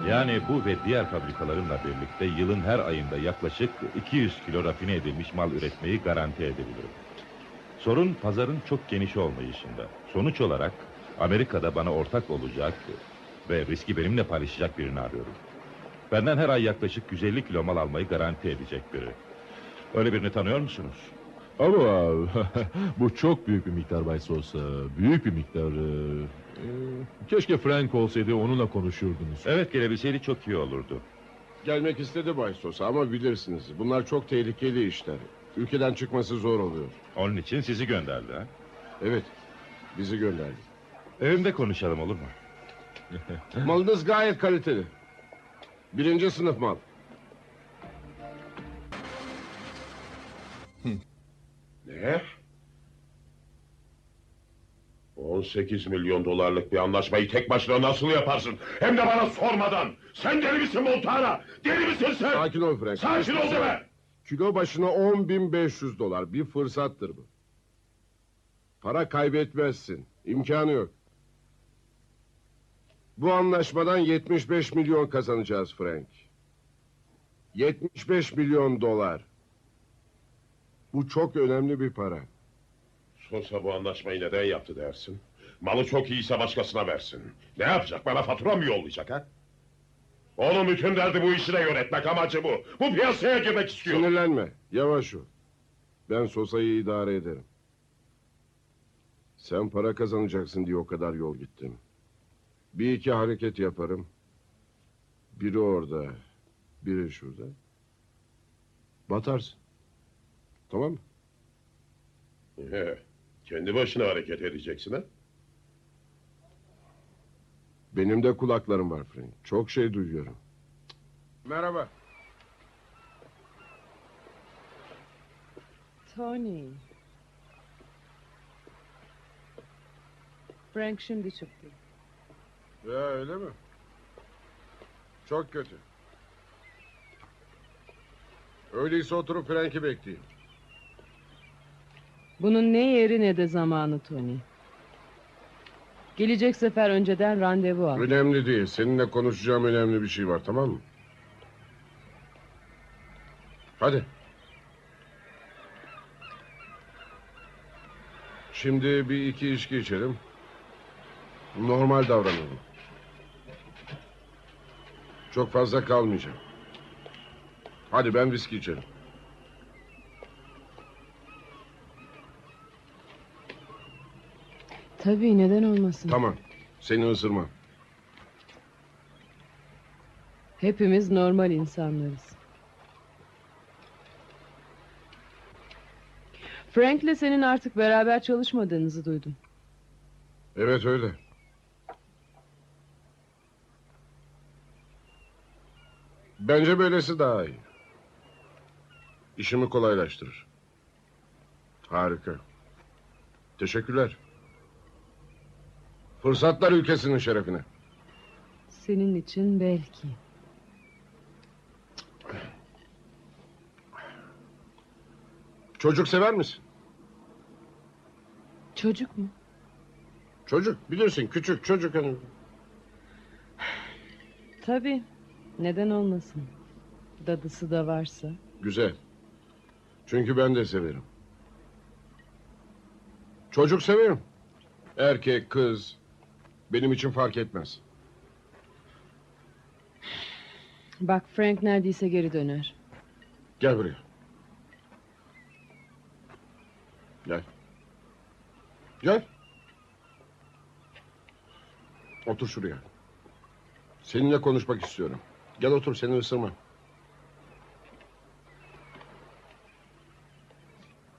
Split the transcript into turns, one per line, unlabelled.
Yani bu ve diğer fabrikalarımla birlikte yılın her ayında yaklaşık 200 kilo rafine edilmiş mal üretmeyi garanti edebilirim. Sorun pazarın çok geniş olmayışında. Sonuç olarak Amerika'da bana ortak olacak ve riski benimle paylaşacak birini arıyorum. Benden her ay yaklaşık 150 kilo mal almayı garanti edecek biri. Öyle birini tanıyor musunuz?
Ama bu çok büyük bir miktar Bay Sosa. Büyük bir miktar. Keşke Frank olsaydı, onunla konuşurdunuz.
Evet, gelebilseydi çok iyi olurdu.
Gelmek istedi Bay Sosa ama bilirsiniz bunlar çok tehlikeli işler. Ülkeden çıkması zor oluyor.
Onun için sizi gönderdi ha?
Evet, bizi gönderdi.
Evimde konuşalım, olur mu?
Malınız gayet kaliteli. Birinci sınıf mal.
Ne? 18 milyon dolarlık bir anlaşmayı tek başına nasıl yaparsın? Hem de bana sormadan! Sen deli misin Montana? Deli misin sen?
Sakin ol Frank.
Sakin ol deme!
Kilo başına 10.500 dolar. Bir fırsattır bu. Para kaybetmezsin. İmkanı yok. Bu anlaşmadan 75 milyon kazanacağız Frank. 75 milyon dolar. Bu çok önemli bir para.
Sosa bu anlaşmayı neden yaptı dersin? Malı çok iyiyse başkasına versin. Ne yapacak? Bana fatura mı yollayacak ha? Onun bütün derdi bu işi de yönetmek, amacı bu. Bu piyasaya girmek istiyor.
Sinirlenme. Yavaş ol. Ben Sosa'yı idare ederim. Sen para kazanacaksın diye o kadar yol gittim. Bir iki hareket yaparım. Biri orada, biri şurada. Batarsın. Tamam mı?
Kendi başına hareket edeceksin ha?
Benim de kulaklarım var Frank. Çok şey duyuyorum. Merhaba.
Tony. Frank şimdi çıktı.
Ya öyle mi? Çok kötü. Öyleyse oturup Frank'i bekleyin.
Bunun ne yeri ne de zamanı Tony. Gelecek sefer önceden randevu al.
Önemli değil. Seninle konuşacağım önemli bir şey var, tamam mı? Hadi. Şimdi bir iki içki içelim. Normal davranalım. Çok fazla kalmayacağım. Hadi ben viski içelim.
Tabii, neden olmasın.
Tamam. Seni ısırmam.
Hepimiz normal insanlarız. Frank'le senin artık beraber çalışmadığınızı duydum.
Evet öyle. Bence böylesi daha iyi. İşimi kolaylaştırır. Harika. Teşekkürler. Fırsatlar ülkesinin şerefine.
Senin için belki.
Çocuk sever misin?
Çocuk mu?
Çocuk bilirsin, küçük çocuk hani.
Tabii. Neden olmasın? Dadısı da varsa.
Güzel. Çünkü ben de severim. Çocuk severim. Erkek, kız. Benim için fark etmez.
Bak, Frank neredeyse geri döner.
Gel buraya. Gel. Gel. Otur şuraya. Seninle konuşmak istiyorum. Gel otur, seni ısırma.